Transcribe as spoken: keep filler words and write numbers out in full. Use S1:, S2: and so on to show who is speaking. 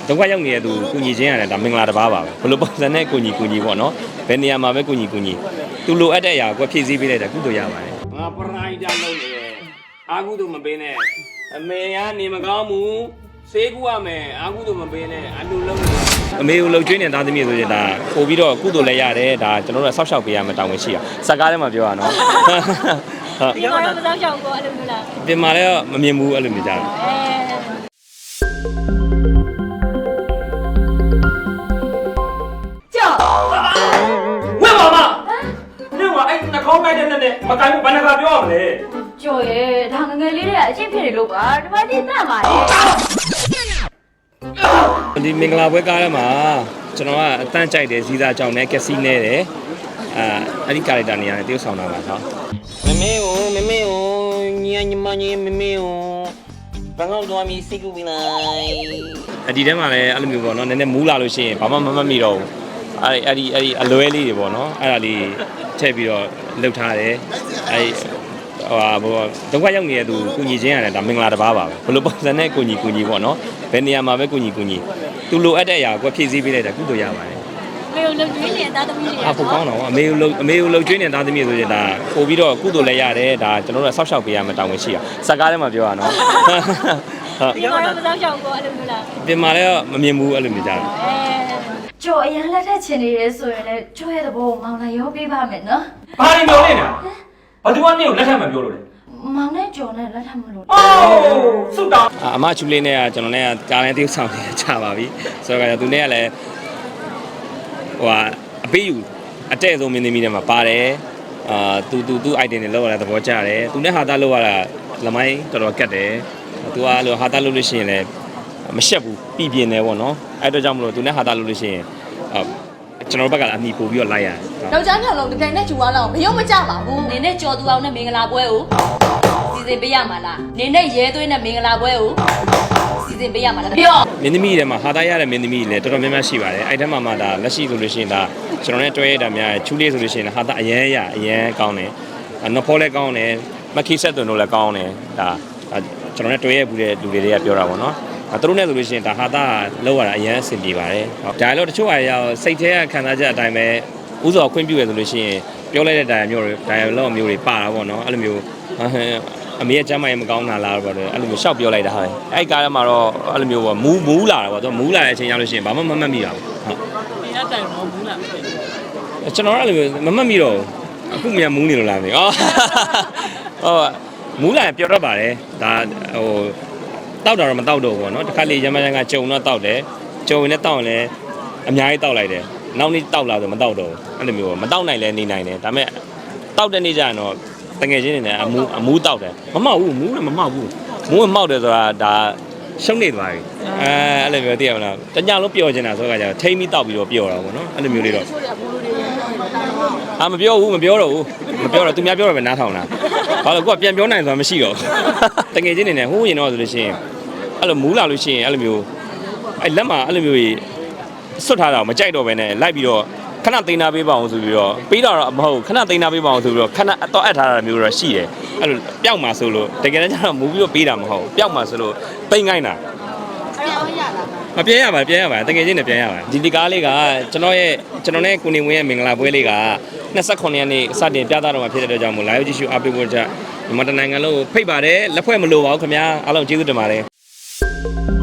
S1: ဒုက္ခရောက်နေတဲ့သူကုညီချင်းရတယ်ဒါမင်္ဂလာတစ်ပါးပါပဲဘလို့ပုံစံနဲ့ကုညီကုညီပေါ့နော်ဘယ်နေရာမှာပဲကုညီကုညီသူလိုအပ်တဲ့အရာကိုဖြည့်ဆည်းပေးလိုက်တာကုသိုလ်ရပါတယ်ငါပရိုက်တာလုပ်နေတယ်အာကုသိုလ်မပေးနဲ့အမေကနေမကောင်းဘူးဆေးကူရမယ်အာကုသိုလ်မပေးနဲ့အလူလုံးအမေကိုလှုပ်ကျွေးနေသားသမီးဆိုရင်ဒါပို့ပြီးတော့ကုသိုလ်လည်းရတယ်ဒါကျွန်တော်တို့ဆောက်ရှောက်ပေးရမယ်တောင်းဝင်ရှိတာစကားထဲမှာပြောရနော်
S2: ဟုတ်ဒီကတော့မဆောက်ရှောက်ဘူးအဲ့လိုမျိုးလား
S1: ပြင်မာလည်းမမြင်ဘူးအဲ့လိုမျိုးကြတာ
S2: ဝဲပါမ
S1: နင်ကအဲ့နှာခေါင်းပိုက်တဲ့နဲ့မကိုင်းဘူးဘယ်နှခါပြောရမလဲ
S2: ကျော်ရဲ့ဒါငငယ်လေးတွေကအချင်းဖြစ်နေလို့ပါဒီမှာဒီတတ်ပါလေ
S1: ဒီမင်္ဂလာပွဲကားထဲမှာကျွန်တော်ကအတန်းကြိုက်တယ်ဇီးသားကြောင်နဲ့ကက်စီနဲတယ်အာအဲ့ဒီကာရက်တာနေရာနဲ့တရုပ်ဆောင်တာပါနော်
S3: မမေကိုမမေကိုညီညီမညီမမေကိုဘာလို့တော့မီစိတ်ကူးပြီးလိုက်
S1: အဒီထဲမှာလည်းအဲ့လိုမျိုးပေါ့နော်နည်းနည်းမူးလာလို့ရှိရင်ဘာမှမမှတ်မိတော့ဘူးအဲ့အဲ့ဒီအဲ့ဒီအလွဲလေးတွေပေါ့နော်အဲ့ဒါလေးထည့်ပြီးတော့လှုပ်ထားတယ်အဲ့ဟိုဟာဘောဒုက္ခရောက်နေတဲ့သူကုညီချင်းရတယ်ဒါမင်္ဂလာတစ်ပါးပါပဲဘလို့ပုံစံနဲ့ကုညီကုညီပေါ့နော်ဘယ်နေရာမှာပဲကုညီကုညီသူလိုအပ်တဲ့အရာကိုဖြည့်ဆည်းပေးလိုက်တာကုသိုလ်ရပါတယ်
S2: အမေကိုလှုပ်ကျွေးနေတဲ့သားသမီးတွေ
S1: အဖို့ကောင်းတော့အမေကိုလှုပ်အမေကိုလှုပ်ကျွေးနေတဲ့သားသမီးဆိုရင်ဒါပို့ပြီးတော့ကုသိုလ်လည်းရတယ်ဒါကျွန်တော်တို့ဆောက်ရှောက်ပေးရမယ်တောင်းဝင်ရှိတာစကားထဲမှာပြောရနော်
S2: ဟုတ်ဒီကတော့မဆောက်ရှောက်ဘူးအဲ့လိုမျိုးလား
S1: ပြင်မာလည်းမမြင်ဘူးအဲ့လိုမျိုးကြတာ
S2: ကျော်အရင်လက်ထက်ချင်နေရဲဆိုရင်လည်းကျော်ရဲ့သဘောကိုမောင်လည်းရောပေးပါမယ်နော်
S1: ဘာလို့ပြောနေတာဘာသူကနေကိုလက်ထက်မပြောလို့လဲ
S2: မောင်နဲ့ကျော်နဲ့လက်ထပ်မလို့
S1: အိုးစုတောင်းအမချူလေးနဲ့ကကျွန်တော်နဲ့ကကြားလဲတိကျဆောင်နေကြပါပြီဆိုတော့သူနဲ့ကလည်းဟိုဟာအပေးယူအတဲ့ဆုံးမင်းသမီးတွေမှာပါတယ်အာသူသူသူ item တွေလောက်ရတဲ့သဘောကျတယ်သူနဲ့ဟာသားလောက်ရတာလမိုင်းတော်တော်ကတ်တယ်သူကအဲ့လိုဟာသားလောက်လို့ရှိရင်လည်းမရှက်ဘူးပြည်ပြင်းတယ်ပေါ့နော်အဲ့တော့ကြောင့်မလို့သူနဲ့ဟာသားလောက်လို့ရှိရင်အာကျွန်တော်ဘက်ကအမိပို့ပြီးတော့လိုက်ရတယ်
S2: ။ယောက်ျားမြောက်လုံးတကယ်နဲ့ဂျူဝါလောက်ဘယ်ရောမကြပါဘူး။နင်းနဲ့ကြော်သူအောင်နဲ့မင်္ဂလာပွဲကိုစီစဉ်ပေးရမှာလား။နင်းနဲ့ရဲသွေးနဲ့မင်္ဂလာပွဲကိုစီစဉ်ပေးရမှာလား။ပြော
S1: မင်းသမီးတွေမှာဟာသားရတဲ့မင်းသမီးတွေလည်းတော်တော်များများရှိပါတယ်။အဲ့ထဲမှာမှဒါလက်ရှိဆိုလို့ရှိရင်ဒါကျွန်တော်နဲ့တွဲရတာများချူလေးဆိုလို့ရှိရင်ဟာသားအရန်ရအရန်ကောင်းတယ်။နဖောလည်းကောင်းတယ်။မခိဆက်သွန်တို့လည်းကောင်းတယ်။ဒါကျွန်တော်နဲ့တွဲရဘူးတဲ့လူတွေကပြောတာပေါ့နော်။သူတို့နဲ့ဆိုလို့ရှိရင်ဒါဟာသားလောက်ရတာအရန်အဆင်ပြေပါတယ်။ဒါလည်းတချို့အရာစိတ်ထဲကခံစားချက်အတိုင်းပဲဥစောခွင့်ပြုရဆိုလို့ရှိရင်ပြောလိုက်တဲ့တိုင်မျိုးတွေတိုင်လောက်မျိုးတွေပါတာပေါ့နော်။အဲ့လိုမျိုးအမေရဲ့ကျမ်းမာရေးမကောင်းတာလားပေါ့အဲ့လိုမျိုးရှောက်ပြောလိုက်တာဟုတ်အဲ့ကားထဲမှာတော့အဲ့လိုမျိုးပေါ့မူးမူးလာတာပေါ့သူမူးလာတဲ့အချိန်ရောက်လို့ရှိရင်ဘာမှမမှတ်မိတာဘူးဟုတ်
S2: ဒီကတိုင်တော့မူးလာမဖြစ်
S1: ဘူးကျွန်တော်အဲ့လိုမျိုးမမှတ်မိတော့အခုမှမူးနေလို့လားမေအော်ဟုတ်မူးလာရင်ပြောတတ်ပါတယ်ဒါဟိုတောက်တာတော့မတောက်တော့ဘူးပေါ့နော်တစ်ခါလေရမရန်ကကြုံတော့တောက်တယ်ကြုံရင်လည်းတောက်ရင်လည်းအများကြီးတောက်လိုက်တယ်နောက်နေ့တောက်လာဆိုမတောက်တော့ဘူးအဲ့လိုမျိုးမတောက်နိုင်လဲနေနိုင်တယ်ဒါပေမဲ့တောက်တဲ့နေ့ကျရင်တော့တငယ်ချင်းတွေနဲ့အမူးအမူးတောက်တယ်မမောက်ဘူးမူးလည်းမမောက်ဘူးမူးမောက်တယ်ဆိုတာဒါရှုံးနေသွားပြီအဲအဲ့လိုမျိုးသိရမလားတညလုံးပျော်နေတာဆိုတော့ကြာထိမ့်ပြီးတောက်ပြီးတော့ပျော်တာပေါ့နော်အဲ့လိုမျိုးလေးတော့အာမပြောဘူးမပြောတော့ဘူးမပြောတော့သူများပြောတော့ပဲနားထောင်တာဘာလို့ကိုကပြန်ပြောနိုင်ဆိုတာမရှိတော့တငယ်ချင်းတွေနဲ့ဟိုးရင်တော့ဆိုလို့ရှိရင်အဲ့လိုမူးလာလို့ရှိရင်အဲ့လိုမျိုးအဲ့လက်မှာအဲ့လိုမျိုးကြီးစွတ်ထားတာမကြိုက်တော့ဘဲနဲ့လိုက်ပြီးတော့ခဏသိမ်းနာပေးပါအောင်ဆိုပြီးတော့ပေးတာတော့မဟုတ်ခဏသိမ်းနာပေးပါအောင်ဆိုပြီးတော့ခဏအတော့အပ်ထားတာမျိုးတော့ရှိတယ်အဲ့လိုပျောက်မှာဆိုလို့တကယ်တမ်းကျတော့မူပြီးတော့ပေးတာမဟုတ်ပျောက်မှာဆိုလို့သိမ်းခိုင်းတာ
S2: ပြောင်းရလား
S1: မပြန်ရပါပြန်ရပါတကယ်ချင်းနဲ့ပြန်ရပါဒီဒီကားလေးကကျွန်တော်ရဲ့ကျွန်တော်နဲ့ကိုနေဝင်းရဲ့မင်္ဂလာပွဲလေးက၂၉ရက်နေ့စတင်ပြသတော့မှာဖြစ်တဲ့အတွက်ကြောင့်မို့လာရောက်ကြည့်ရှုအားပေးဖို့ကြမြန်မာနိုင်ငံလုံးဖိတ်ပါတယ်လက်ဖွဲ့မလိုပါဘူးခင်ဗျာအားလုံးကျေးဇူးတင်ပါတယ်